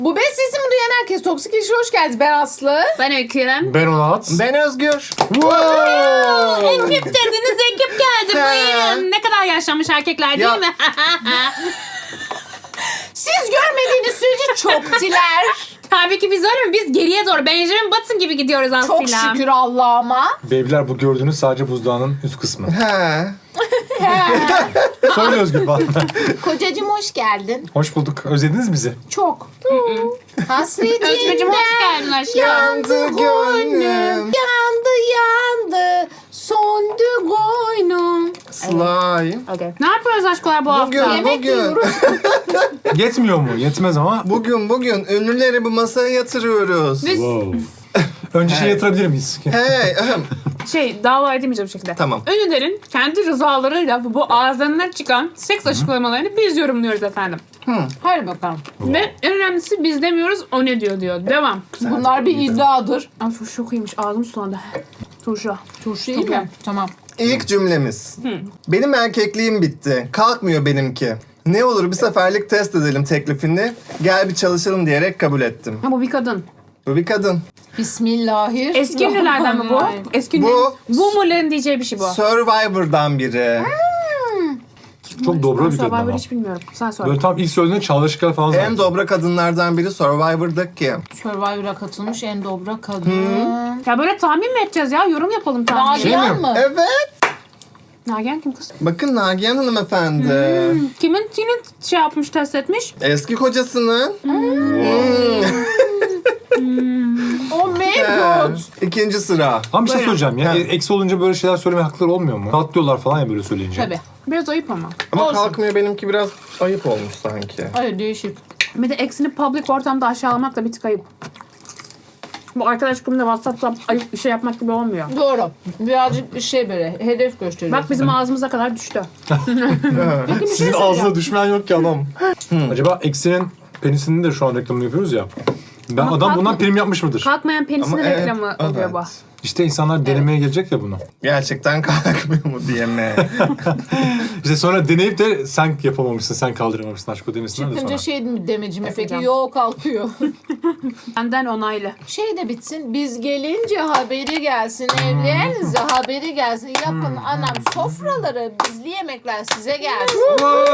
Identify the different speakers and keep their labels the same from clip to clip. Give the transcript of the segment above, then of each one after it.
Speaker 1: Bu beş sesimi duyan herkes Toksik İlişki'ye hoş geldiniz. Ben Aslı.
Speaker 2: Ben Öykü.
Speaker 3: Ben Onat.
Speaker 4: Ben Özgür.
Speaker 2: Ekip dediniz, ekip geldi. Buyurun. Ne kadar yaşlanmış erkekler değil
Speaker 4: Ya.
Speaker 2: mi?
Speaker 1: Siz görmediğiniz sürece çok diler.
Speaker 2: Tabii ki biz öyle mi? Biz geriye doğru Benjamin Button gibi gidiyoruz aslında.
Speaker 1: Çok şükür Allah'ıma.
Speaker 3: Beybiler, bu gördüğünüz sadece buzdağının üst kısmı.
Speaker 4: He.
Speaker 3: Söyle Özgür falan.
Speaker 1: Kocacığım hoş geldin.
Speaker 3: Hoş bulduk. Özlediniz bizi.
Speaker 1: Çok. Hasretinden
Speaker 2: Özgürcüm hoş geldin aşkım.
Speaker 4: Yandı gönlüm.
Speaker 1: yandı. Söndü gönlüm.
Speaker 4: Slime.
Speaker 2: Okay. Ne yapıyoruz aşkolar bu hafta?
Speaker 4: Bugün,
Speaker 1: Yemek
Speaker 4: bugün.
Speaker 1: yiyoruz.
Speaker 3: Yetmiyor mu? Yetmez ama.
Speaker 4: Bugün ünlüleri bu masaya yatırıyoruz.
Speaker 2: Biz
Speaker 3: Önce şey yatırabilir miyiz?
Speaker 4: Hey.
Speaker 2: dava edemeyeceğim bir şekilde.
Speaker 4: Tamam.
Speaker 2: Ünlülerin kendi rızalarıyla bu ağızlarından çıkan seks açıklamalarını biz yorumluyoruz efendim.
Speaker 1: Hadi bakalım.
Speaker 2: Ve en önemlisi biz demiyoruz, o ne diyor. Devam.
Speaker 1: Bunlar bir iddiadır.
Speaker 2: Ay turşu çok iyiymiş, ağzım sulandı. Turşu.
Speaker 1: Turşu iyi mi? Tamam.
Speaker 4: İlk cümlemiz. Benim erkekliğim bitti. Kalkmıyor benimki. Ne olur bir seferlik test edelim teklifini. Gel bir çalışalım diyerek kabul ettim.
Speaker 2: Ha, bu bir kadın.
Speaker 4: Bu bir kadın.
Speaker 1: Bismillahirrahmanirrahim.
Speaker 2: Eski ünlülerden mi bu? Eski ünlü.
Speaker 4: Bu-
Speaker 2: Boomer'ların diyeceği bir şey bu.
Speaker 4: Survivor'dan biri.
Speaker 3: Çok dobra bir kadın
Speaker 2: Survivor
Speaker 3: ama.
Speaker 2: hiç bilmiyorum. Sen sor.
Speaker 3: Böyle tam ilk söylediğinde Çağla Şıkar falan
Speaker 4: En
Speaker 3: zannettim.
Speaker 4: dobra kadınlardan biri Survivor'daki.
Speaker 1: Survivor'a katılmış en dobra kadın.
Speaker 2: Ya böyle tahmin mi edeceğiz ya? Yorum yapalım tahmin.
Speaker 3: Şey
Speaker 1: Nagihan
Speaker 3: mi?
Speaker 1: mı?
Speaker 4: Evet.
Speaker 2: Nagihan kim kız?
Speaker 4: Bakın Nagihan hanımefendi.
Speaker 2: Kimin şey yapmış, test etmiş?
Speaker 4: Eski kocasının.
Speaker 1: Oh my god.
Speaker 4: İkinci sıra.
Speaker 3: Ama bir şey
Speaker 2: Buyurun.
Speaker 3: söyleyeceğim ya.
Speaker 4: Ha.
Speaker 3: Eksi olunca böyle şeyler söylemeye hakları olmuyor mu? Rahatlıyorlar falan ya böyle söyleyince.
Speaker 1: Tabii.
Speaker 2: Biraz ayıp ama.
Speaker 4: Ama
Speaker 1: Olsun.
Speaker 4: kalkmıyor benimki biraz ayıp olmuş sanki.
Speaker 1: Ay değişik.
Speaker 2: Bir de eksini public ortamda aşağılamak da bir tık ayıp. Bu arkadaş grubunda WhatsApp'ta ayıp bir şey yapmak gibi olmuyor.
Speaker 1: Doğru. Birazcık bir şey böyle hedef gösteriyor.
Speaker 2: Bak bizim ağzımıza kadar düştü.
Speaker 3: Sizin ağzına düşmeyen yok ki adam. Acaba Eksi'nin penisinin de şu an reklamını yapıyoruz ya. Ben
Speaker 2: Ama
Speaker 3: adam
Speaker 2: kalkma-
Speaker 3: bundan prim yapmış mıdır?
Speaker 2: Kalkmayan penisinin
Speaker 4: Ama evet,
Speaker 2: reklamı oluyor
Speaker 4: evet.
Speaker 2: bu.
Speaker 3: İşte insanlar denemeye gelecek ya bunu.
Speaker 4: Gerçekten kalkmıyor mu diye mi?
Speaker 3: İşte sonra deneyip de sen yapamamışsın, sen kaldıramamışsın aşk o demesinler de
Speaker 1: Çıkınca
Speaker 3: sonra.
Speaker 1: şey mi demeci mi peki?
Speaker 2: Yapacağım.
Speaker 1: Yok kalkıyor.
Speaker 2: Benden onaylı.
Speaker 1: Şey de bitsin. Biz gelince haberi gelsin. Evlerinize haberi gelsin. Yapın anam sofraları. Bizli yemekler size gelsin.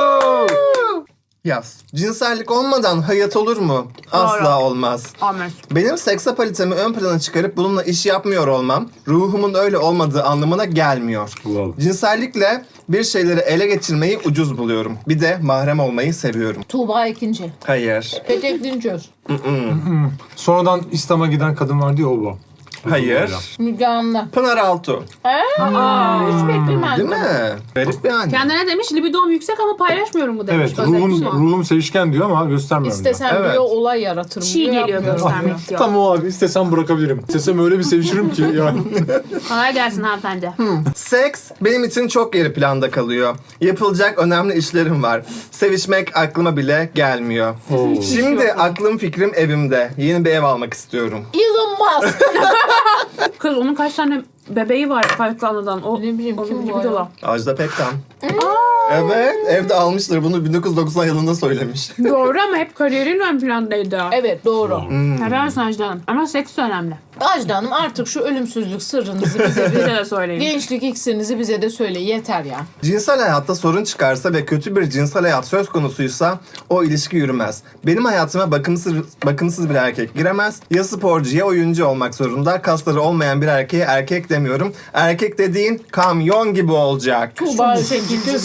Speaker 4: Yaz. Cinsellik olmadan hayat olur mu? Asla olmaz.
Speaker 2: Amen.
Speaker 4: Benim seksapalitemi ön plana çıkarıp bununla iş yapmıyor olmam, ruhumun öyle olmadığı anlamına gelmiyor.
Speaker 3: Wow.
Speaker 4: Cinsellikle bir şeyleri ele geçirmeyi ucuz buluyorum. Bir de mahrem olmayı seviyorum.
Speaker 1: Tuğba ikinci.
Speaker 4: Hayır.
Speaker 1: Petek Dinçöz.
Speaker 3: Sonradan İslam'a giden kadın var diye o bu.
Speaker 4: Hayır.
Speaker 1: Müge Anlı.
Speaker 4: Pınar Altuğ.
Speaker 1: Hiç beklemezdim.
Speaker 4: Değil mi? Garip bir anne.
Speaker 2: Kendine demiş libidom yüksek ama paylaşmıyorum bu demiş.
Speaker 3: Evet,
Speaker 2: Özel bir şey.
Speaker 3: ruhum sevişken diyor ama göstermiyorum diyor.
Speaker 1: İstesem
Speaker 4: Evet.
Speaker 1: diyor olay yaratırım.
Speaker 2: Çiğ
Speaker 1: diyor,
Speaker 2: geliyor
Speaker 1: yapmıyorum.
Speaker 2: göstermek diyor.
Speaker 3: Tam o abi, istesem bırakabilirim. İstesem öyle bir sevişirim ki yani.
Speaker 2: Kolay gelsin hanımefendi.
Speaker 4: Seks benim için çok geri planda kalıyor. Yapılacak önemli işlerim var. Sevişmek aklıma bile gelmiyor.
Speaker 3: Oo.
Speaker 4: Şimdi aklım fikrim evimde. Yeni bir ev almak istiyorum.
Speaker 1: Elon Musk.
Speaker 2: Kız onun kaç tane bebeği var Kayıtlı Anı'dan. O,
Speaker 1: Ne bileyim,
Speaker 2: onun
Speaker 1: kim bu
Speaker 2: libidola.
Speaker 1: ya?
Speaker 4: Ajda Pekkan. Evet, evde almışlar. Bunu 1990 yılında söylemiş.
Speaker 2: Doğru ama hep kariyerin ön plandaydı.
Speaker 1: Evet doğru.
Speaker 2: Helal olsun Ajda Hanım. Ama seks önemli.
Speaker 1: Ajda Hanım artık şu ölümsüzlük sırrınızı bize
Speaker 2: Bize de söyleyin.
Speaker 1: gençlik iksirinizi bize de söyle. Yeter ya.
Speaker 4: Cinsel hayatta sorun çıkarsa ve kötü bir cinsel hayat söz konusuysa o ilişki yürümez. Benim hayatıma bakımsız bir erkek giremez. Ya sporcu ya oyuncu olmak zorunda. Kasları olmayan bir erkeğe erkek demiyorum. Erkek dediğin kamyon gibi olacak.
Speaker 1: Tuğba ikinci.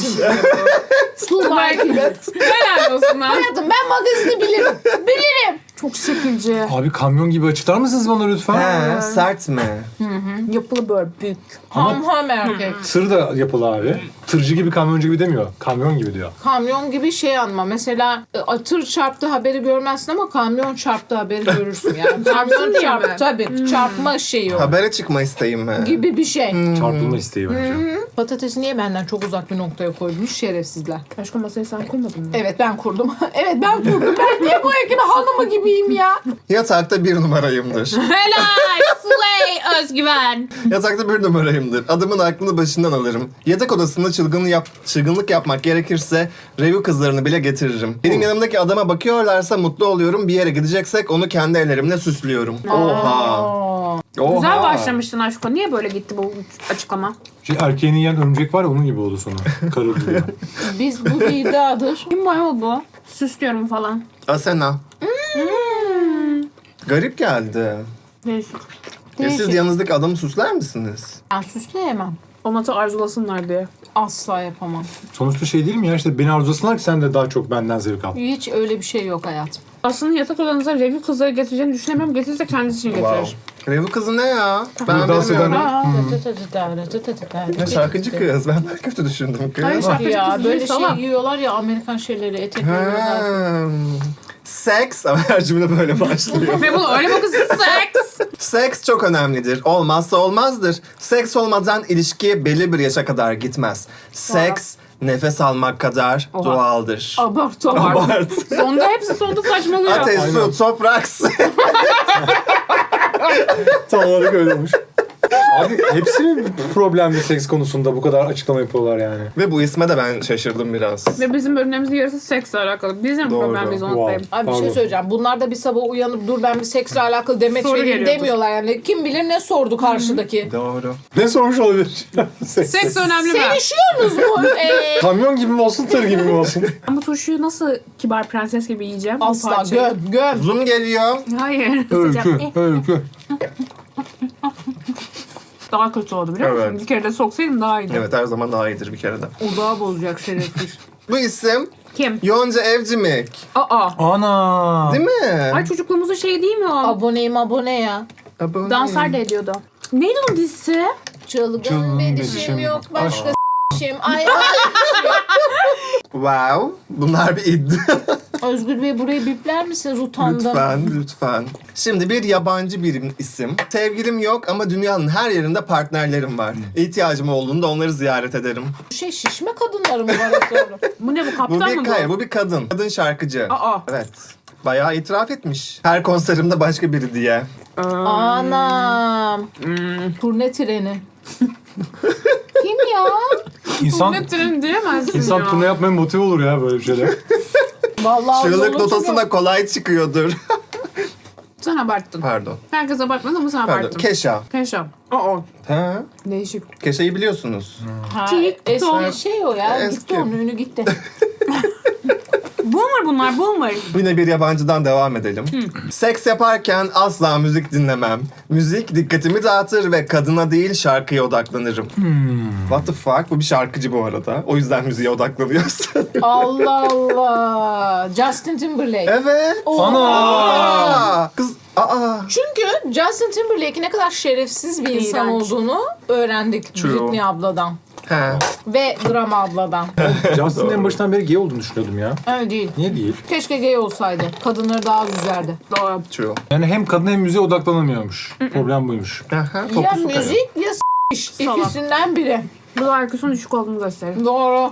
Speaker 1: Tuğba ikinci.
Speaker 2: Helal olsun lan.
Speaker 1: Hayatım ben magazini bilirim. Bilirim.
Speaker 2: Çok şekilci.
Speaker 3: Abi kamyon gibi açıklar mısınız bana lütfen?
Speaker 4: He, sert mi?
Speaker 2: Yapılı böyle büyük.
Speaker 1: Ham erkek.
Speaker 3: Tır da yapılı abi. Tırcı gibi kamyoncu gibi demiyor. Kamyon gibi diyor.
Speaker 1: Kamyon gibi şey anma. Mesela tır çarptı haberi görmezsin ama kamyon çarptı haberi görürsün yani. Kamyon
Speaker 2: diye
Speaker 1: çarptı
Speaker 2: mi?
Speaker 1: tabii. Çarpma şeyi o.
Speaker 4: Habere çıkma isteğim mi?
Speaker 1: Gibi bir şey.
Speaker 3: Çarpılma isteği bence.
Speaker 1: Patatesi niye benden çok uzak bir noktaya koymuş şerefsizler.
Speaker 2: Başka masayı sen koymadın mı?
Speaker 1: Evet ben kurdum. Evet ben kurdum. Ben niye bu ekibin hanımı gibiyim ya?
Speaker 4: Yatakta bir numarayımdır.
Speaker 2: Helal. Slay Özgüven.
Speaker 4: Yatakta bir numarayımdır. Adamın aklını başından alırım. Yatak odasında çılgınlık yapmak gerekirse revue kızlarını bile getiririm. Benim yanımdaki adama bakıyorlarsa mutlu oluyorum. Bir yere gideceksek onu kendi ellerimle süslüyorum. Oha. Oha.
Speaker 2: Güzel başlamıştın aşko. Niye böyle gitti bu açıklama?
Speaker 3: Erkeğini yiyen örümcek var ya onun gibi oldu sonra. Karı.
Speaker 1: Biz bu bir iddiadır.
Speaker 2: Kim bu bu? Süslüyorum falan.
Speaker 4: Asena. Garip geldi.
Speaker 2: Değişik.
Speaker 4: Ya siz yanınızdaki adamı süsler misiniz?
Speaker 1: Ben süsleyemem.
Speaker 2: Onat'ı arzulasınlar diye.
Speaker 1: Asla yapamam.
Speaker 3: Sonuçta şey değil mi ya işte beni arzulasınlar ki sen de daha çok benden zevk al.
Speaker 1: Hiç öyle bir şey yok hayatım.
Speaker 2: Aslında yatak odanıza review kızları getireceğini düşünemiyorum. Getirirse kendisi için getirir.
Speaker 4: Wow. Revue kızı ne ya? Ben
Speaker 3: Dans
Speaker 4: bilmiyorum.
Speaker 3: eden-
Speaker 4: Ne şarkıcı kız. Ben daha kötü düşündüm kız.
Speaker 2: Hayır, şarkıcı
Speaker 1: Ya
Speaker 2: kız
Speaker 1: böyle
Speaker 2: değil,
Speaker 1: şey
Speaker 2: salak.
Speaker 1: giyiyorlar ya Amerikan şeyleri, etek giyiyorlar.
Speaker 4: Seks ama her cümle böyle başlıyor.
Speaker 2: Ve bunu öyle bakın seks.
Speaker 4: Seks çok önemlidir. Olmazsa olmazdır. Seks olmadan ilişki belli bir yaşa kadar gitmez. Seks nefes almak kadar
Speaker 2: Oha.
Speaker 4: doğaldır.
Speaker 2: Abart.
Speaker 4: Abart.
Speaker 2: Sonda hepsi sonda saçmalıyor.
Speaker 4: Ateş,
Speaker 3: Aynen.
Speaker 4: su, toprak.
Speaker 3: Tam olarak öyle olmuş. Abi hepsi mi problemli seks konusunda bu kadar açıklama yapıyorlar yani?
Speaker 4: Ve bu isme de ben şaşırdım biraz.
Speaker 2: Ve bizim bölümlerimizin yarısı seksle alakalı. Bizim
Speaker 4: Doğru.
Speaker 2: problemimizi unutmayın.
Speaker 3: Wow.
Speaker 1: Abi bir şey
Speaker 3: Pardon.
Speaker 1: söyleyeceğim. Bunlar da bir sabah uyanıp dur ben bir seksle alakalı demeç
Speaker 2: Soru
Speaker 1: vereyim
Speaker 2: geliyordur.
Speaker 1: demiyorlar yani. Kim bilir ne sordu karşıdaki.
Speaker 4: Doğru.
Speaker 3: Ne sormuş olabilir?
Speaker 2: Seks önemli mi?
Speaker 1: Sevişiyorsunuz mu?
Speaker 3: Kamyon gibi mi olsun tır gibi mi olsun?
Speaker 2: Ben bu turşuyu nasıl kibar prenses gibi yiyeceğim? Bu
Speaker 1: Asla
Speaker 2: parçayı?
Speaker 1: göm.
Speaker 4: Zoom geliyor.
Speaker 2: Hayır.
Speaker 3: Öykü.
Speaker 2: Daha kötü oldu biliyor musun?
Speaker 4: Evet.
Speaker 2: Bir kere de soksaydım daha iyiydi.
Speaker 4: Evet, her zaman daha iyidir bir kere de.
Speaker 1: Odağı bozacak şerefsiz.
Speaker 4: Bu isim
Speaker 2: Kim?
Speaker 4: Yonca Evcimik.
Speaker 2: Aa.
Speaker 3: Ana.
Speaker 4: Değil mi?
Speaker 2: Ay çocukluğumuzun şeyi değil mi o?
Speaker 1: Aboneyim abone ya.
Speaker 4: Abone.
Speaker 2: Danslar da ediyordu. Neydi onun dizisi?
Speaker 1: Çılgın bir dişim
Speaker 3: dişim.
Speaker 1: yok başka dişim. Ay
Speaker 4: Wow. Bunlar bir iddia.
Speaker 1: Özgür Bey burayı bipler misiniz? Utandım.
Speaker 4: Lütfen. Şimdi bir yabancı bir isim. Sevgilim yok ama dünyanın her yerinde partnerlerim var. İhtiyacım olduğunda onları ziyaret ederim.
Speaker 1: Bu şey şişme kadınları mı var acaba?
Speaker 2: Bu ne bu
Speaker 4: Bu
Speaker 2: kaptan mı
Speaker 4: bir
Speaker 2: bu?
Speaker 4: hayır, bu bir kadın. Kadın şarkıcı.
Speaker 2: Aa.
Speaker 4: Evet. Bayağı itiraf etmiş. Her konserimde başka biri diye.
Speaker 1: Anam. Turne treni. Kim ya?
Speaker 3: İnsan,
Speaker 2: Ne tren diyemezsin
Speaker 3: insan
Speaker 2: ya.
Speaker 3: turne yapmaya motive olur ya böyle bir şeyler.
Speaker 1: Vallahi
Speaker 4: Çığlık
Speaker 1: yolu
Speaker 4: notasına kolay çıkıyordur.
Speaker 2: Sen abarttın.
Speaker 4: Pardon.
Speaker 2: Herkes abartmadı ama sen
Speaker 4: Pardon.
Speaker 2: abarttın.
Speaker 4: Keşa.
Speaker 2: Keşap. Aa.
Speaker 4: Ha?
Speaker 2: Değişik.
Speaker 4: Keşa'yı biliyorsunuz.
Speaker 1: Ha,
Speaker 2: TikTok.
Speaker 1: eski şey o ya.
Speaker 4: Eski.
Speaker 1: Gitti onun ünü gitti.
Speaker 2: Boomer bunlar boomer.
Speaker 4: Yine bir yabancıdan devam edelim. Seks yaparken asla müzik dinlemem. Müzik dikkatimi dağıtır ve kadına değil şarkıya odaklanırım. What the fuck? Bu bir şarkıcı bu arada. O yüzden müziğe odaklanıyorsun.
Speaker 1: Allah Allah. Justin Timberlake.
Speaker 4: Evet.
Speaker 3: Ana!
Speaker 4: Kız. Aa.
Speaker 1: Çünkü Justin Timberlake'in ne kadar şerefsiz bir insan
Speaker 2: İğrenç.
Speaker 1: olduğunu öğrendik
Speaker 4: True.
Speaker 1: Britney abladan.
Speaker 4: He.
Speaker 1: Ve Drama abladan.
Speaker 3: Justin'in en başından beri gay olduğunu düşünüyordum ya.
Speaker 1: Öyle değil.
Speaker 3: Niye değil?
Speaker 1: Keşke gay olsaydı. Kadınları daha üzerdi.
Speaker 2: Doğru.
Speaker 4: True.
Speaker 3: Yani hem kadın hem müziğe odaklanamıyormuş. Problem buymuş.
Speaker 4: Aha,
Speaker 1: Ya
Speaker 4: fokusu kayıyor.
Speaker 1: müzik ya s***.
Speaker 2: Salak.
Speaker 1: İkisinden biri.
Speaker 2: Bu da IQ'sunun düşük olduğunu gösterir.
Speaker 1: Doğru.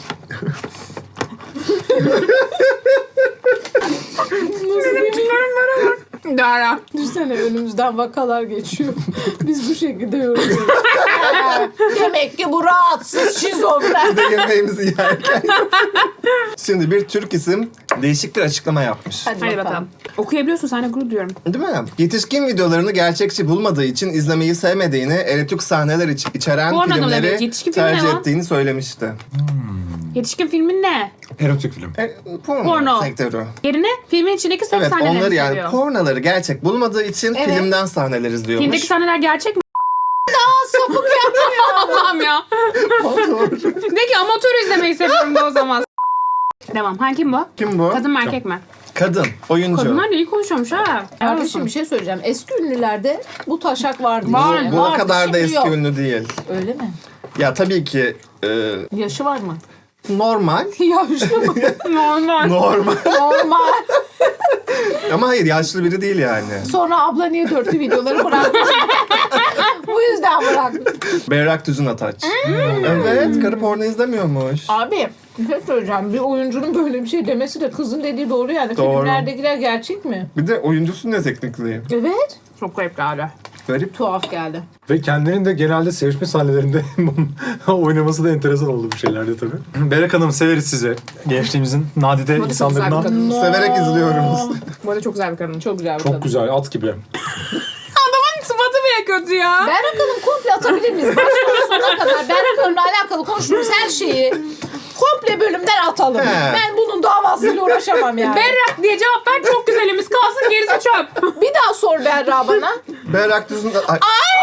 Speaker 2: Dara.
Speaker 1: Düşünsene önümüzden vakalar geçiyor. Biz bu şekilde yorumluyoruz. Demek ki bu rahatsız şizofren.
Speaker 4: Bir de yemeğimizi yerken. Şimdi bir Türk isim değişik bir açıklama yapmış.
Speaker 2: Hadi bakalım. Okuyabiliyorsun sen de gurur diyorum.
Speaker 4: Değil mi? Yetişkin videolarını gerçekçi bulmadığı için izlemeyi sevmediğini, erotik sahneler içeren
Speaker 2: Porno demek,
Speaker 4: filmleri
Speaker 2: yetişkin filmi
Speaker 4: tercih
Speaker 2: ne lan?
Speaker 4: ettiğini söylemişti.
Speaker 2: Yetişkin filmin ne?
Speaker 3: Erotik film.
Speaker 4: Porno sektörü.
Speaker 2: Yerine filmin içindeki seks
Speaker 4: Evet,
Speaker 2: sahnelerini
Speaker 4: onları yani
Speaker 2: seviyor.
Speaker 4: pornoları gerçek bulmadığı için
Speaker 1: Evet.
Speaker 4: filmden sahneler izliyormuş.
Speaker 2: Filmdeki sahneler gerçek mi?
Speaker 1: Sapık yapmıyor.
Speaker 2: Allah'ım ya. De ki amatör izlemeyi seviyorum da o zaman. Devam. Kim bu?
Speaker 4: Kim bu?
Speaker 2: Kadın mı erkek mi?
Speaker 4: Kadın, oyuncu.
Speaker 2: Kadınlar da iyi konuşuyormuş ha.
Speaker 1: Kardeşim bir şey söyleyeceğim. Eski ünlülerde bu taşak vardı.
Speaker 2: Var.
Speaker 1: Yani.
Speaker 4: Bu o
Speaker 1: Vardı,
Speaker 4: kadar da
Speaker 1: şimdi
Speaker 4: eski
Speaker 1: yok.
Speaker 4: ünlü değil.
Speaker 1: Öyle mi?
Speaker 4: Ya tabii ki
Speaker 1: Yaşı var mı?
Speaker 4: normal.
Speaker 1: Yaşlı mı?
Speaker 2: Normal.
Speaker 4: Normal.
Speaker 1: Normal.
Speaker 4: Ama hayır, yaşlı biri değil yani.
Speaker 1: Sonra abla niye dörtlü videoları bıraktı? Bu yüzden bıraktı.
Speaker 4: Berrak Tüzün Ataç. Evet, karı porno izlemiyormuş.
Speaker 1: Abi bir şey söyleyeceğim. Bir oyuncunun böyle bir şey demesi de kızın dediği doğru yani.
Speaker 4: Doğru.
Speaker 1: Filmlerdekiler gerçek mi?
Speaker 4: Bir de oyuncusu ne teknikli?
Speaker 1: Evet.
Speaker 2: Çok garip galiba.
Speaker 4: Garip.
Speaker 1: Tuhaf geldi.
Speaker 3: Ve kendinin de genelde sevişme sahnelerinde oynaması da enteresan oldu bu şeylerde tabii. Berrak Hanım severiz sizi. Gençliğimizin nadide
Speaker 2: çok güzel bir
Speaker 3: insanlarından.
Speaker 2: kadın.
Speaker 4: Severek izliyoruz.
Speaker 2: Bu arada çok güzel bir kadın.
Speaker 1: Çok güzel bir kadın.
Speaker 3: Çok güzel, at gibi.
Speaker 2: Adamın sıfatı bile kötü ya.
Speaker 1: Berrak Hanım komple atabilir miyiz? Baştan sona kadar Berrak Hanım'la alakalı konuştuğumuz her şeyi komple bölümden atalım.
Speaker 4: He.
Speaker 1: Ben bunun davasıyla uğraşamam yani.
Speaker 2: Berrak diye cevap ver, çok güzelimiz kalsın, gerisi çöp.
Speaker 1: Bir daha sor Berra bana.
Speaker 4: Berrak Düz'ün... Ay,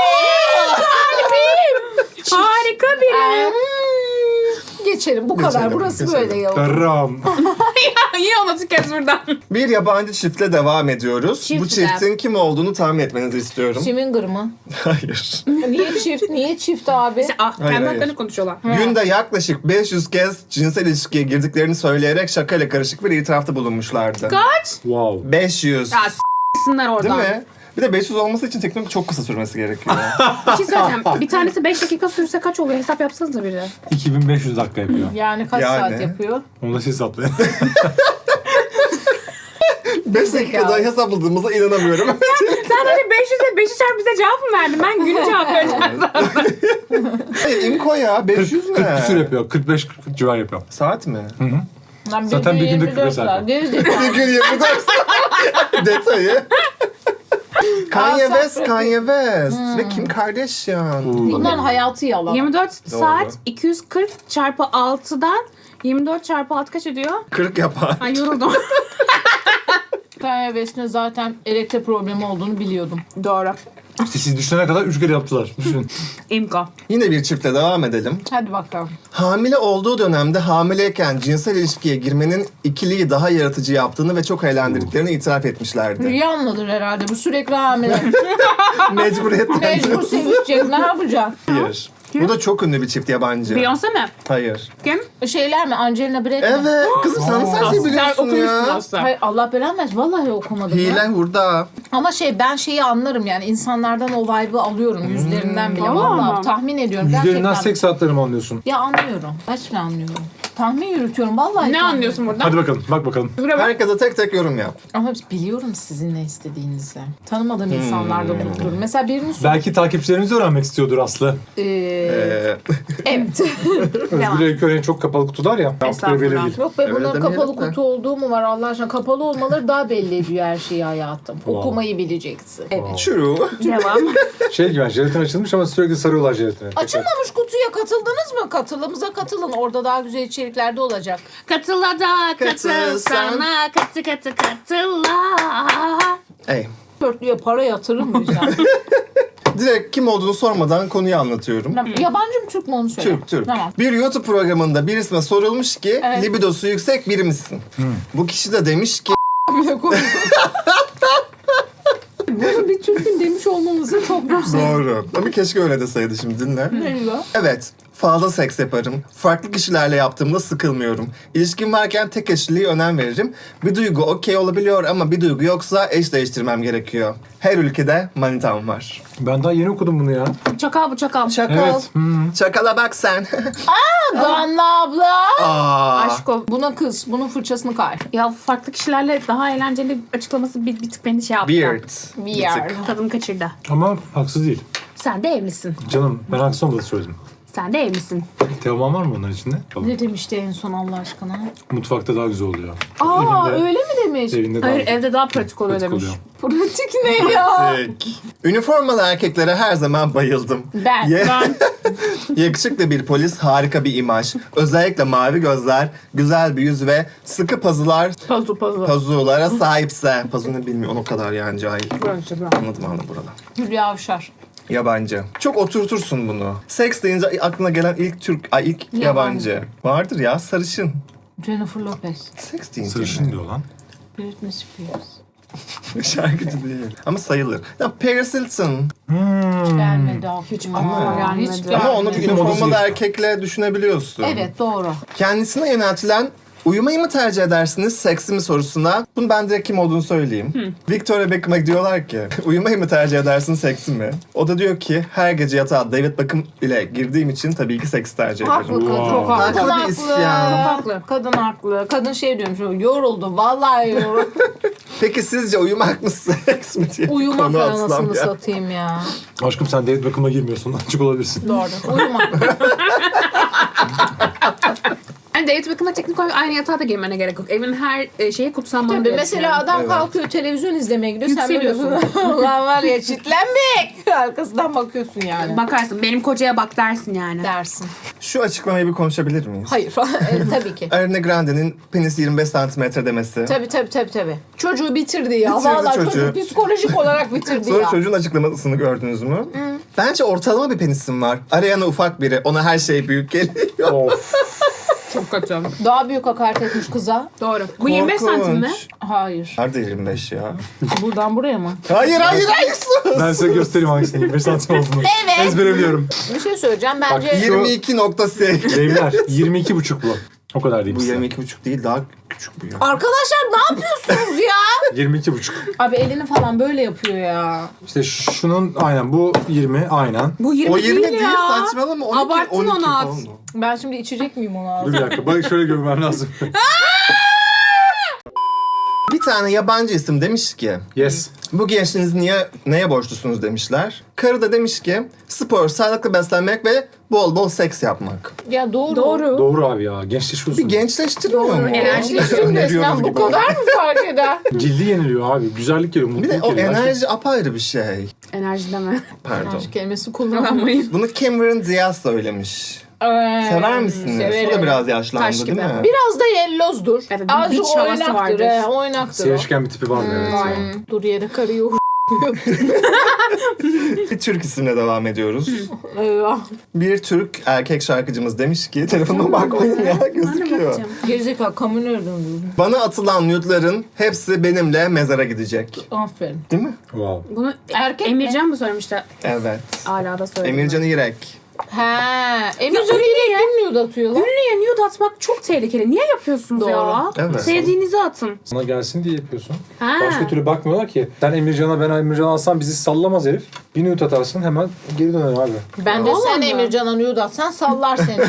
Speaker 2: Harika biri.
Speaker 1: Geçelim bu kadar.
Speaker 4: Geçelim,
Speaker 1: Burası
Speaker 4: geçelim.
Speaker 1: böyle yavrum.
Speaker 3: Berram.
Speaker 2: Yine onu kes buradan.
Speaker 4: bir yabancı çiftle devam ediyoruz.
Speaker 1: Çift
Speaker 4: Bu çiftin kim olduğunu tahmin etmenizi istiyorum.
Speaker 1: Swinger mı?
Speaker 4: Hayır.
Speaker 1: Niye çift? Niye çift abi?
Speaker 2: Ah,
Speaker 4: Hayır,
Speaker 2: kendi
Speaker 4: hayır.
Speaker 2: haklarını konuşuyorlar.
Speaker 4: Günde yaklaşık 500 kez cinsel ilişkiye girdiklerini söyleyerek şakayla karışık bir itirafta bulunmuşlardı.
Speaker 2: Kaç?
Speaker 3: Wow.
Speaker 4: 500.
Speaker 2: Ya s**sinler
Speaker 4: Değil
Speaker 2: oradan.
Speaker 4: mi? Bir de 500 olması için teknoloji çok kısa sürmesi gerekiyor.
Speaker 2: Bir şey söyleyeceğim. Bir tanesi 5 dakika sürse kaç oluyor? Hesap yapsanıza biri.
Speaker 3: 2500 dakika yapıyor.
Speaker 1: Yani kaç
Speaker 4: Yani.
Speaker 1: saat yapıyor?
Speaker 3: Onu da siz hesaplayın.
Speaker 4: 5 dakikada hesapladığımıza inanamıyorum.
Speaker 2: Sen hani 500'e 5'i çarp bize cevap mı verdin? Ben günü cevap vereceğim.
Speaker 4: Hayır, İmko ya 500
Speaker 3: 40
Speaker 4: ne?
Speaker 3: küsur yapıyor. 45-40 civar yapıyor.
Speaker 4: Saat mi?
Speaker 1: Lan
Speaker 3: Zaten bir günde
Speaker 1: 24
Speaker 3: 45 saat.
Speaker 1: saat. Gerizekalı.
Speaker 4: Bir gün 24 saat. Detayı. Kanye
Speaker 1: Aa,
Speaker 4: West,
Speaker 1: sabret.
Speaker 4: Kanye West. Ve Kim Kardashian.
Speaker 1: Bunların hayatı yalan.
Speaker 2: 24
Speaker 4: Doğru.
Speaker 2: saat 240 çarpı 6'dan 24 çarpı 6 kaç ediyor?
Speaker 4: 40 yapar.
Speaker 2: Ay yoruldum.
Speaker 1: Kanye West'in zaten erekte problemi olduğunu biliyordum.
Speaker 2: Doğru.
Speaker 3: İşte siz düşünene kadar 3 kere yaptılar. Düşünün.
Speaker 2: İmko.
Speaker 4: Yine bir çiftle devam edelim.
Speaker 1: Hadi bakalım.
Speaker 4: Hamile olduğu dönemde hamileyken cinsel ilişkiye girmenin ikiliyi daha yaratıcı yaptığını ve çok eğlendirdiklerini itiraf etmişlerdi.
Speaker 1: Rihanna'dır herhalde. Bu sürekli hamile.
Speaker 4: Mecburiyetten.
Speaker 1: Mecbur sevişecek. Ne yapacak?
Speaker 4: Hayır. Bu da çok ünlü bir çift yabancı.
Speaker 2: Beyoncé mi?
Speaker 4: Hayır.
Speaker 2: Kim?
Speaker 1: Şeyler mi? Angelina Brett mi?
Speaker 4: Evet. Kızım sen nasıl her şeyi
Speaker 2: Sen
Speaker 4: biliyorsun
Speaker 2: okumuşsun
Speaker 4: ya?
Speaker 2: aslında.
Speaker 1: Hayır, Allah belanı versin. Vallahi okumadım.
Speaker 4: Hile
Speaker 1: ya.
Speaker 4: hurda.
Speaker 1: Ama ben şeyi anlarım yani. İnsanlardan o vibe'ı alıyorum. Yüzlerinden bile.
Speaker 2: Vallahi
Speaker 1: Vallahi
Speaker 2: mi?
Speaker 1: tahmin ediyorum.
Speaker 3: Yüzlerinden
Speaker 1: Gerçekten.
Speaker 3: seks saatleri mi anlıyorsun?
Speaker 1: Ya anlıyorum. Gerçekten anlıyorum. Tahmin yürütüyorum. Vallahi
Speaker 2: Ne
Speaker 1: tahmin
Speaker 2: anlıyorsun buradan?
Speaker 3: Hadi bakalım, bak bakalım.
Speaker 2: Buraya bak.
Speaker 4: Herkese tek tek yorum yap.
Speaker 1: Ama biliyorum sizin ne istediğinizi. Tanımadığım insanlardan unuturum. Mesela birinin
Speaker 3: Belki takipçilerimiz öğrenmek istiyordur Aslı.
Speaker 1: evet.
Speaker 3: Özgür Öykü'nün çok kapalı kutular ya.
Speaker 2: Estağfurullah.
Speaker 3: Belli değil.
Speaker 1: Yok be
Speaker 4: Öyle
Speaker 1: bunların
Speaker 4: demeyelim
Speaker 1: kapalı
Speaker 4: de.
Speaker 1: kutu olduğu mu var Allah aşkına? Kapalı olmaları daha belli ediyor her şeyi hayatım. Okumayı bileceksin. Evet.
Speaker 4: True.
Speaker 2: Devam.
Speaker 3: Şey gibi, jelatin açılmış ama sürekli sarıyorlar jelatine.
Speaker 1: Açılmamış kutuya katıldınız mı? Katılımıza katılın. Orada daha güzel içeriklerde olacak.
Speaker 2: Katıla da katıl
Speaker 4: Katılsan.
Speaker 2: sana katı katıla.
Speaker 4: Ey.
Speaker 1: Dörtlüye para yatırır mıyız yani?
Speaker 4: Direkt kim olduğunu sormadan konuyu anlatıyorum.
Speaker 1: Yabancı mı Türk mü onu söyle.
Speaker 4: Türk.
Speaker 1: Tamam.
Speaker 4: Bir YouTube programında birisine sorulmuş ki
Speaker 1: Evet.
Speaker 4: libidosu yüksek biri misin? Bu kişi de demiş ki
Speaker 1: Bunu bir Türk'ün demiş olmanızı çok güzel.
Speaker 4: doğru. Ama keşke öyle deseydi şimdi dinle.
Speaker 1: Ne diyor?
Speaker 4: Evet. Fazla seks yaparım. Farklı kişilerle yaptığımda sıkılmıyorum. İlişkim varken tek eşliliğe önem veririm. Bir duygu okey olabiliyor ama bir duygu yoksa eş değiştirmem gerekiyor. Her ülkede manitam var.
Speaker 3: Ben daha yeni okudum bunu ya.
Speaker 2: Çakal bu çakal.
Speaker 4: Çakal.
Speaker 3: Evet.
Speaker 4: Çakala bak sen.
Speaker 1: Danla abla.
Speaker 4: Aa.
Speaker 2: Aşko.
Speaker 1: Buna kız. Bunun fırçasını kay.
Speaker 2: Ya farklı kişilerle daha eğlenceli açıklaması bir tık beni şey yaptı.
Speaker 4: Beard.
Speaker 1: Weird.
Speaker 2: Tadımı kaçırdı.
Speaker 3: Ama haksız değil.
Speaker 2: Sen de evlisin.
Speaker 3: Canım ben haksız olmadı söyledim.
Speaker 2: Sen de evlisin.
Speaker 3: Teoman var mı onların içinde? Tamam.
Speaker 1: Ne demişti en son Allah aşkına?
Speaker 3: Mutfakta daha güzel oluyor.
Speaker 1: Aa
Speaker 3: Evinde-
Speaker 1: öyle mi demiş?
Speaker 3: Evinde daha
Speaker 2: Hayır evde daha pratik oluyor
Speaker 3: pratik
Speaker 2: demiş.
Speaker 3: oluyor.
Speaker 1: Pratik ne ya?
Speaker 4: Üniformalı erkeklere her zaman bayıldım.
Speaker 1: Ben.
Speaker 4: Ye-
Speaker 2: Ben
Speaker 4: Yakışıklı bir polis, harika bir imaj. Özellikle mavi gözler, güzel bir yüz ve sıkı
Speaker 2: pazu.
Speaker 4: pazulara sahipse. Pazu ne bilmiyorum o kadar yani cahil. Anladım burada.
Speaker 1: Hülya Avşar.
Speaker 4: Yabancı. Çok oturtursun bunu. Seks deyince aklına gelen ilk yabancı. Vardır ya sarışın.
Speaker 1: Jennifer Lopez.
Speaker 4: Seks deyince.
Speaker 3: Sarışın diyor lan.
Speaker 1: Britney Spears.
Speaker 4: Şarkıcı değil. Ama sayılır. Ya Paris Hilton.
Speaker 1: Gelmedi aklıma.
Speaker 2: aklıma
Speaker 1: Aa,
Speaker 2: gelmedi.
Speaker 1: hiç
Speaker 4: Ama onu
Speaker 1: gelmedi.
Speaker 4: bir üniformalı
Speaker 3: modası
Speaker 4: erkekle düşünebiliyorsun.
Speaker 1: Evet doğru.
Speaker 4: Kendisine yöneltilen Uyumayı mı tercih edersiniz, seksi mi sorusuna bunu ben direkt kim olduğunu söyleyeyim. Victoria Beckham'a diyorlar ki uyumayı mı tercih edersin, seksi mi? O da diyor ki her gece yatağa David Beckham ile girdiğim için tabii ki seks tercih ederim.
Speaker 1: Haklı kadın.
Speaker 3: Wow.
Speaker 1: Kadın
Speaker 4: Tabii
Speaker 1: haklı.
Speaker 4: isyan.
Speaker 2: Haklı.
Speaker 1: Kadın haklı. Kadın şey diyormuş. Yoruldu. Vallahi yoruldu.
Speaker 4: Peki sizce uyumak mı seks mi diye
Speaker 1: Uyumak
Speaker 4: konu atsam
Speaker 1: anasını
Speaker 4: ya.
Speaker 1: satayım ya.
Speaker 3: Aşkım sen David Beckham'a girmiyorsun. Açık olabilirsin.
Speaker 1: Doğru. Uyumak.
Speaker 2: Yani David Beckham'la teknik olarak aynı yatağa da girmene gerek yok. Evin her şeyi kutsanmalı.
Speaker 1: Tabii
Speaker 2: diye
Speaker 1: mesela
Speaker 2: düşünüyorum.
Speaker 1: adam
Speaker 4: Evet.
Speaker 1: kalkıyor televizyon izlemeye gidiyor. Sen böyle
Speaker 2: Yükseliyorsun.
Speaker 1: ulan var ya çitlenmek. Arkasından bakıyorsun yani.
Speaker 2: Bakarsın. Benim kocaya bak dersin yani.
Speaker 1: Dersin.
Speaker 4: Şu açıklamayı bir konuşabilir miyiz?
Speaker 1: Hayır. Tabii ki.
Speaker 4: Ariana Grande'nin penis 25 santimetre demesi.
Speaker 1: Tabii. Çocuğu bitirdi ya.
Speaker 4: Bitirdi
Speaker 1: Vallahi
Speaker 4: çocuğu.
Speaker 1: çocuk psikolojik olarak bitirdi
Speaker 4: Sonra
Speaker 1: ya.
Speaker 4: çocuğun açıklamasını gördünüz mü? Bence ortalama bir penisim var. Ariana ufak biri. Ona her şey büyük geliyor.
Speaker 3: Of.
Speaker 2: Çok kötü.
Speaker 1: Daha büyük hakaret etmiş kıza.
Speaker 2: Doğru. Bu 25 santim mi?
Speaker 4: Korkunç.
Speaker 1: Hayır.
Speaker 4: Nerede 25 ya?
Speaker 1: Buradan buraya mı?
Speaker 4: Hayır sus.
Speaker 3: Ben size göstereyim hangisinin 25 santim olduğunu.
Speaker 1: Evet.
Speaker 3: Ezbere biliyorum.
Speaker 1: Bir şey söyleyeceğim. Bence
Speaker 4: 22.8.
Speaker 3: Beyler 22,5 bu. O kadar diyeyim
Speaker 4: Bu
Speaker 3: size.
Speaker 4: 22.5 değil, daha küçük bu ya.
Speaker 1: arkadaşlar ne yapıyorsunuz ya?
Speaker 3: 22,5.
Speaker 1: Abi elini falan böyle yapıyor ya.
Speaker 3: İşte şunun aynen bu 20 aynen.
Speaker 2: Bu 20,
Speaker 4: O 20
Speaker 2: değil
Speaker 4: değil,
Speaker 2: ya.
Speaker 4: saçmalama. 12,
Speaker 2: Abarttın
Speaker 4: 12
Speaker 2: onu at.
Speaker 4: falan o.
Speaker 1: Ben şimdi içecek miyim onu
Speaker 3: Dur
Speaker 1: abi?
Speaker 3: bir dakika. Bak şöyle görmem lazım.
Speaker 4: Bir tane yabancı isim demiş ki
Speaker 3: Yes.
Speaker 4: bu gençliğinizi neye borçlusunuz demişler. Karı da demiş ki spor, sağlıklı beslenmek ve bol bol seks yapmak.
Speaker 1: Ya doğru.
Speaker 2: Doğru.
Speaker 3: Doğru abi ya. Gençleşiyorsun.
Speaker 4: Bir gençleştirmiyor mu?
Speaker 2: Enerjileştirme
Speaker 1: Resmen bu kadar mı fark eder?
Speaker 3: Cildi yeniliyor abi. Güzellik geliyor,
Speaker 4: Bir
Speaker 3: mutluluk
Speaker 4: de o
Speaker 3: geliyor.
Speaker 4: enerji apayrı bir şey.
Speaker 2: Enerji deme.
Speaker 4: Pardon.
Speaker 1: Enerji kelimesi kullanmayın.
Speaker 2: Kullanmayın.
Speaker 4: Bunu Cameron Diaz söylemiş. Sever misiniz?
Speaker 1: Severim.
Speaker 4: O da biraz yaşlandı
Speaker 2: Taş
Speaker 4: değil
Speaker 2: gibi.
Speaker 4: mi?
Speaker 1: Biraz da yellozdur.
Speaker 2: Evet, bir
Speaker 1: Azıcık
Speaker 2: beach havası
Speaker 1: oynaktır.
Speaker 2: vardır.
Speaker 1: Oynaktır o.
Speaker 3: Sevişken bir tipi var mı? Evet.
Speaker 2: Var.
Speaker 1: Dur yere karıyor.
Speaker 4: Bir Türk isimle devam ediyoruz.
Speaker 1: Eyvah.
Speaker 4: Bir Türk erkek şarkıcımız demiş ki telefonuma bakmayın ya gözüküyor.
Speaker 1: Gerizekalı kamu nereden durdun?
Speaker 4: Bana atılan nude'ların hepsi benimle mezara gidecek.
Speaker 1: Aferin.
Speaker 4: Değil mi?
Speaker 3: Wow.
Speaker 2: Bunu
Speaker 1: Erkek mi?
Speaker 2: Emircan mı söylemişti?
Speaker 4: Evet.
Speaker 2: Hala da söyledi.
Speaker 4: Emircan İrek.
Speaker 1: He. Emircan
Speaker 2: öyle
Speaker 1: direkt
Speaker 2: ya.
Speaker 1: kim nude atıyor lan?
Speaker 2: Ünlüye nude atmak çok tehlikeli. Niye yapıyorsunuz
Speaker 1: Doğru.
Speaker 2: ya?
Speaker 4: Evet.
Speaker 2: Sevdiğinizi atın.
Speaker 3: Sana gelsin diye yapıyorsun.
Speaker 2: Ha.
Speaker 3: Başka türlü bakmıyorlar ki. Sen Emircan'a ben Emircan'a alsam bizi sallamaz herif. Bir nude atarsın hemen geri döner abi.
Speaker 1: Ben de
Speaker 2: Vallahi
Speaker 1: sen
Speaker 2: mi?
Speaker 1: Emircan'a nude atsan sallar seni.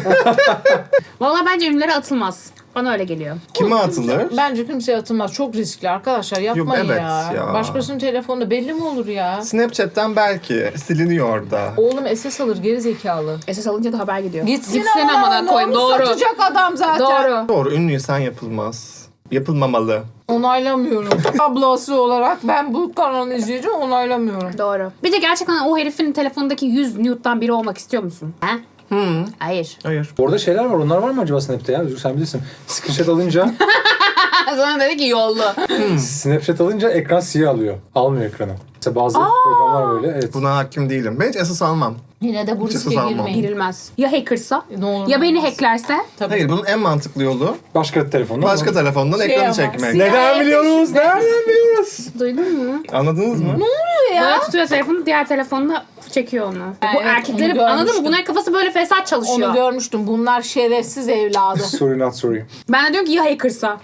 Speaker 2: Vallahi bence ünlülere atılmaz. Bana öyle geliyor.
Speaker 4: Kime atılır?
Speaker 1: Bence kimseye atılmaz. Çok riskli arkadaşlar. Yapmayın
Speaker 4: evet
Speaker 1: ya.
Speaker 4: ya.
Speaker 1: Başkasının telefonunda belli mi olur ya?
Speaker 4: Snapchat'ten belki siliniyor da.
Speaker 1: Oğlum SS alır geri zekalı.
Speaker 2: Esas alınca da haber gidiyor.
Speaker 1: Gitsin
Speaker 2: amına koyayım.
Speaker 1: onu
Speaker 2: Doğru.
Speaker 1: satacak adam zaten.
Speaker 2: Doğru.
Speaker 4: Doğru, ünlüysen yapılmaz. Yapılmamalı.
Speaker 1: Onaylamıyorum. Ablası olarak ben bu kanalı izleyeceğim onaylamıyorum.
Speaker 2: Doğru. Bir de gerçekten o herifin telefonundaki 100 nude'dan biri olmak istiyor musun? He? Hayır.
Speaker 4: Hayır.
Speaker 3: Orada şeyler var. Onlar var mı acaba Snap'te ya? Özgür sen bilirsin. Screenshot alınca
Speaker 2: Sana dedi ki yollu.
Speaker 3: Snapchat alınca ekran siyah alıyor. Almıyor ekranı. Mesela bazı programlar böyle. Evet.
Speaker 4: Buna hakim değilim. Ben hiç esas almam.
Speaker 1: Yine de bu
Speaker 4: Hiç
Speaker 1: riske
Speaker 4: esas almam.
Speaker 1: girmeyin.
Speaker 2: Girilmez. Ya hackersa?
Speaker 1: Ne olur
Speaker 2: Ya
Speaker 1: ne
Speaker 2: beni
Speaker 1: olmaz.
Speaker 2: hacklerse?
Speaker 1: Tabii.
Speaker 4: Hayır, bunun en mantıklı yolu
Speaker 3: Başka telefonda.
Speaker 4: başka telefondan
Speaker 1: Şey
Speaker 4: ekranı
Speaker 1: ama,
Speaker 4: çekmek.
Speaker 1: siyah-
Speaker 3: Nereden biliyoruz? Nereden biliyoruz?
Speaker 2: Duydun mu?
Speaker 4: Anladınız mı?
Speaker 2: Böyle tutuyor telefonu, diğer telefonla çekiyor onu. Bu
Speaker 1: Evet,
Speaker 2: erkeklerin
Speaker 1: onu
Speaker 2: anladın mı?
Speaker 1: görmüştüm.
Speaker 2: Bunların kafası böyle fesat çalışıyor.
Speaker 1: Onu görmüştüm. Bunlar şerefsiz evladı.
Speaker 3: Sorry not sorry.
Speaker 2: Ben de diyorum ki ya hackersa?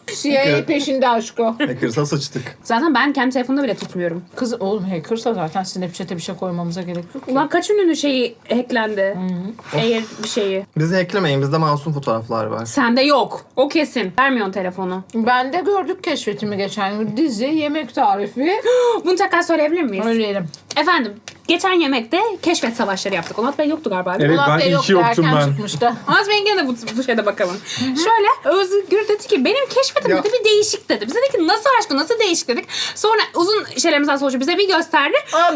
Speaker 1: CIA peşinde aşk o.
Speaker 4: Hacker'sa sıçtık.
Speaker 2: Zaten ben kendi telefonumda bile tutmuyorum.
Speaker 1: Kız oğlum hackersa zaten Snapchat'e bir şey koymamıza gerek yok. ki.
Speaker 2: Ulan kaç ünlünün şeyi hacklendi? Eğer bir şeyi.
Speaker 4: Bizi hacklemeyin. Bizde masum fotoğraflar var.
Speaker 2: Sende yok. O kesin. Vermiyorsun telefonu.
Speaker 1: Ben de gördük keşfetimi geçen gün. Dizi, yemek tarifi.
Speaker 2: Bunu tekrar söyleyebilir miyiz?
Speaker 1: Söyleyelim.
Speaker 2: Efendim, geçen yemekte keşfet savaşları yaptık. Onat Bey yoktu galiba.
Speaker 3: Evet,
Speaker 1: Ulan
Speaker 3: ben
Speaker 1: Bey
Speaker 3: iyi
Speaker 1: yoktu,
Speaker 3: ki yoktum
Speaker 1: erken
Speaker 3: ben.
Speaker 1: çıkmıştı.
Speaker 2: Onat Bey'in gene de bu şeyde bakalım. Şöyle, Özgür dedi ki benim keşfetim
Speaker 4: Ya.
Speaker 2: dedi bir değişik dedi. Bize dedi ki nasıl aşkı nasıl değişik dedik. Sonra uzun şeylerimizden sonra bize bir gösterdi.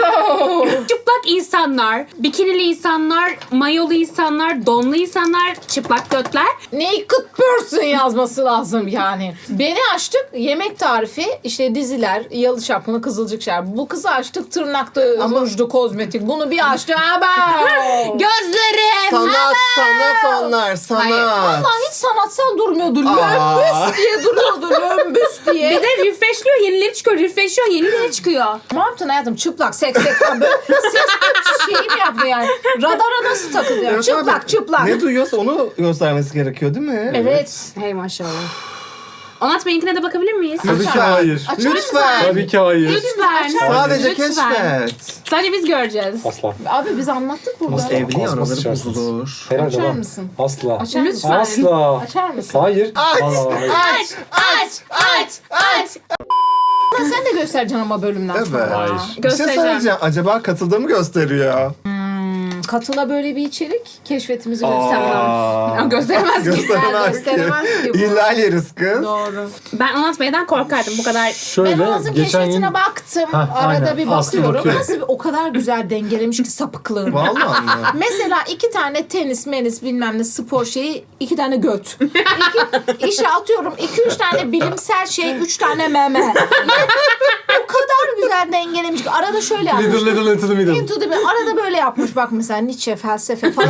Speaker 2: Çıplak insanlar, bikinili insanlar, mayolu insanlar, donlu insanlar, çıplak götler.
Speaker 1: Naked person yazması lazım yani. Beni açtık yemek tarifi işte diziler, Yalı Çapkını, Kızılcık Şerbeti. Bu kızı açtık tırnakta rujdu, kozmetik. Bunu bir açtı. Aba!
Speaker 2: Gözlerim.
Speaker 4: Sanat onlar, sanat.
Speaker 1: Hayır, vallahi hiç sanatsal durmuyordu.
Speaker 4: Aa.
Speaker 1: Lömbüs diye duruyordu. Lömbüs diye.
Speaker 2: Bir de refreshliyor, yenileri çıkıyor. Refreshliyor, yenileri çıkıyor.
Speaker 1: Ne yaptın hayatım? Çıplak, seks falan böyle ses şeyi mi yaptı yani? Radara nasıl takılıyor?
Speaker 4: Evet
Speaker 1: Çıplak,
Speaker 4: abi,
Speaker 1: çıplak.
Speaker 4: Ne duyuyorsa onu göstermesi gerekiyor değil mi?
Speaker 1: Evet.
Speaker 2: Hey maşallah. Onat Bey'inkine de bakabilir miyiz?
Speaker 3: Tabii ki hayır.
Speaker 1: Açar mısın?
Speaker 4: Lütfen.
Speaker 3: Tabii ki hayır.
Speaker 2: Lütfen.
Speaker 4: Sadece
Speaker 2: Lütfen.
Speaker 4: keşfet.
Speaker 2: Sadece biz göreceğiz.
Speaker 3: Asla.
Speaker 1: Abi biz anlattık burada.
Speaker 3: Asla.
Speaker 4: Evli
Speaker 3: Asla
Speaker 4: araları
Speaker 3: sıçarsınız.
Speaker 4: bozulur.
Speaker 3: Herhalde
Speaker 1: Açar
Speaker 3: lan.
Speaker 1: mısın?
Speaker 3: Asla.
Speaker 1: Açar mısın?
Speaker 2: Lütfen.
Speaker 3: Asla.
Speaker 1: Açar mısın?
Speaker 3: Hayır.
Speaker 4: Aç.
Speaker 3: Vallahi hayır.
Speaker 1: Aç. Sen de göstereceksin ama bölümden sonra.
Speaker 3: Hayır.
Speaker 4: Bir şey
Speaker 2: Göstereceğim.
Speaker 4: söyleyeceğim. Acaba katıldığımı gösteriyor.
Speaker 1: Katıla böyle bir içerik keşfetimizi
Speaker 2: Tamam.
Speaker 1: göster.
Speaker 2: Gösteremez ki.
Speaker 4: Gösteremez
Speaker 1: Gösteremez ki
Speaker 4: ki.
Speaker 1: bu.
Speaker 4: İhlal yeriz kız.
Speaker 1: Doğru.
Speaker 2: Ben Onat Bey'den korkardım bu kadar.
Speaker 3: Şöyle
Speaker 1: Ben Oğuz'un
Speaker 3: geçen
Speaker 1: keşfetine
Speaker 3: gün
Speaker 1: baktım.
Speaker 3: Hah,
Speaker 1: Arada
Speaker 3: aynen.
Speaker 1: bir
Speaker 3: Aslı
Speaker 1: bakıyorum.
Speaker 3: bakıyor.
Speaker 1: Nasıl bir, o kadar güzel dengelemiş ki sapıklığını.
Speaker 4: Vallahi mı?
Speaker 1: Mesela 2 tane tenis, menis bilmem ne spor şeyi, 2 tane göt. İşe atıyorum 2-3 tane bilimsel şey, 3 tane meme. Yani o kadar güzel dengelemiş ki. Arada şöyle yapmış.
Speaker 3: Little into the middle.
Speaker 1: Into the middle. Arada böyle yapmış bak mesela Nietzsche, felsefe falan.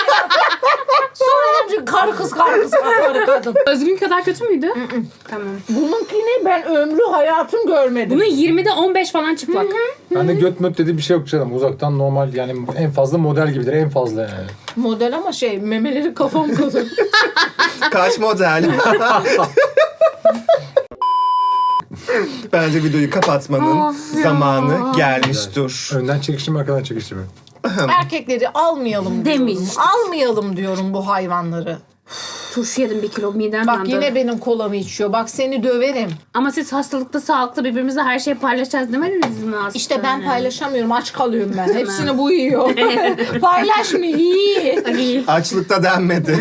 Speaker 1: Sonra demiş karı kız kadın.
Speaker 2: Özgün kadar kötü müydü? Tamam.
Speaker 1: Bununkini ben ömrü hayatım görmedim.
Speaker 2: Bunun 20'de 15 falan çıplak.
Speaker 3: Ben de göt möt dediği bir şey yok canım. Uzaktan normal yani en fazla model gibidir. En fazla yani.
Speaker 1: Model ama şey memeleri kafam kadar.
Speaker 4: Kaç model? Bence videoyu kapatmanın
Speaker 2: Of ya.
Speaker 4: zamanı gelmiştir.
Speaker 3: Önden çekiştirme, arkadan çekiştirme.
Speaker 1: Erkekleri almayalım diyorum.
Speaker 2: Demiş.
Speaker 1: Almayalım diyorum bu hayvanları.
Speaker 2: Turşu yedim 1 kilo midem
Speaker 1: Bak
Speaker 2: yandı.
Speaker 1: yine benim kolamı içiyor. Bak seni döverim.
Speaker 2: Ama siz hastalıkta sağlıklı birbirimizle her şeyi paylaşacağız demediniz mi aslında?
Speaker 1: İşte ben paylaşamıyorum. Aç kalıyorum ben. Hepsini bu yiyor. Paylaşmıyor. İyi.
Speaker 4: Açlıkta denmedi.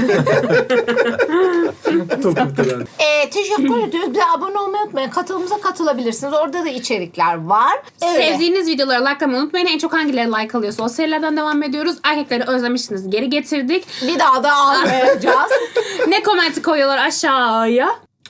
Speaker 3: Topuktadan.
Speaker 1: Teşekkür ediyoruz. Bize abone olmayı unutmayın. Katılımıza katılabilirsiniz. Orada da içerikler var. Evet.
Speaker 2: Sevdiğiniz videoları likelamayı unutmayın. En çok hangileri like alıyorsa o serilerden devam ediyoruz. Erkekleri özlemişsiniz. Geri getirdik.
Speaker 1: Bir daha da almayacağız.
Speaker 2: Ne komenti koyuyorlar aşağıya?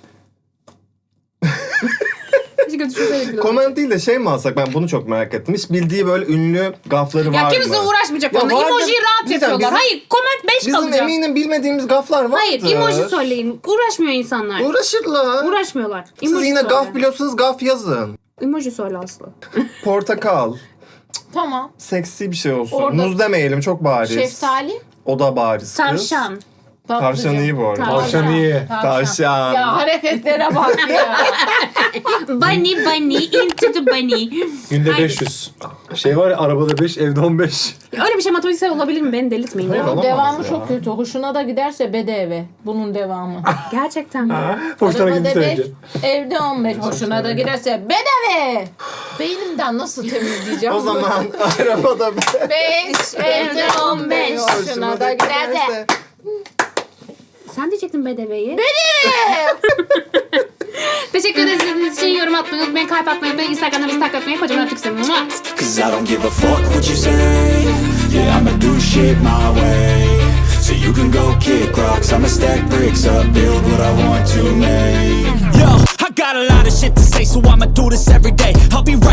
Speaker 2: Hiç düşünseydik bile.
Speaker 4: Comment değil de şey mi alsak, ben bunu çok merak ettim. Hiç bildiği böyle ünlü gafları
Speaker 2: Ya
Speaker 4: var
Speaker 2: kimse
Speaker 4: mı?
Speaker 2: uğraşmayacak
Speaker 4: Ya
Speaker 2: onunla.
Speaker 4: vardır.
Speaker 2: Emojiyi rahat
Speaker 4: Diyeceğim,
Speaker 2: yapıyorlar.
Speaker 4: bizim-
Speaker 2: Hayır comment 5
Speaker 4: Bizim
Speaker 2: kalacak.
Speaker 4: eminim bilmediğimiz gaflar vardır.
Speaker 2: Hayır emoji söyleyin. Uğraşmıyor insanlar.
Speaker 4: Uğraşırlar.
Speaker 2: Uğraşmıyorlar.
Speaker 4: Siz
Speaker 2: Emoji
Speaker 4: yine
Speaker 2: söyle.
Speaker 4: gaf biliyorsunuz, gaf yazın.
Speaker 2: Emoji söyle Aslı.
Speaker 4: Portakal.
Speaker 1: Tamam.
Speaker 4: Seksi bir şey olsun.
Speaker 1: Orada-
Speaker 4: Muz demeyelim, çok bariz.
Speaker 1: Şeftali.
Speaker 4: O da bariz kız.
Speaker 2: Tavşan.
Speaker 4: Tavşan iyi bu arada.
Speaker 3: Tavşan iyi.
Speaker 4: Tavşan.
Speaker 1: Ya hareketlere bak ya.
Speaker 2: Bunny into the bunny.
Speaker 3: Günde 500. Şey var ya, arabada 5, evde 15.
Speaker 2: Öyle bir şey matematiksel olabilir mi? Beni delirtmeyin.
Speaker 4: Hayır,
Speaker 2: ya.
Speaker 4: olamaz
Speaker 1: Devamı
Speaker 4: ya.
Speaker 1: çok kötü. Hoşuna da giderse bedeve. Bunun devamı.
Speaker 2: Gerçekten mi?
Speaker 3: Hoşuna
Speaker 1: Arabada
Speaker 3: gitti
Speaker 1: 5,
Speaker 3: önce.
Speaker 1: evde 15. Hoşuna da giderse bedeve. Beynimden nasıl temizleyeceğim?
Speaker 4: O zaman arabada
Speaker 1: 5, evde 15. Hoşuna da giderse.
Speaker 2: Sen diyecektin bedeveyi. Teşekkür ederiz izlediğiniz için. Yorum atmayı unutmayın. Kalp atmayı unutmayın. Instagram'da bizi takip etmeyi. Kocaman öptük sizi. Mua.
Speaker 5: Cause I don't give a fuck what you say. Yeah, I'ma do shit my way. So you can go kick rocks, I'ma stack bricks up, build what I want to make. Yo, I got a lot of shit to say, so I'ma do this every day. I'll be right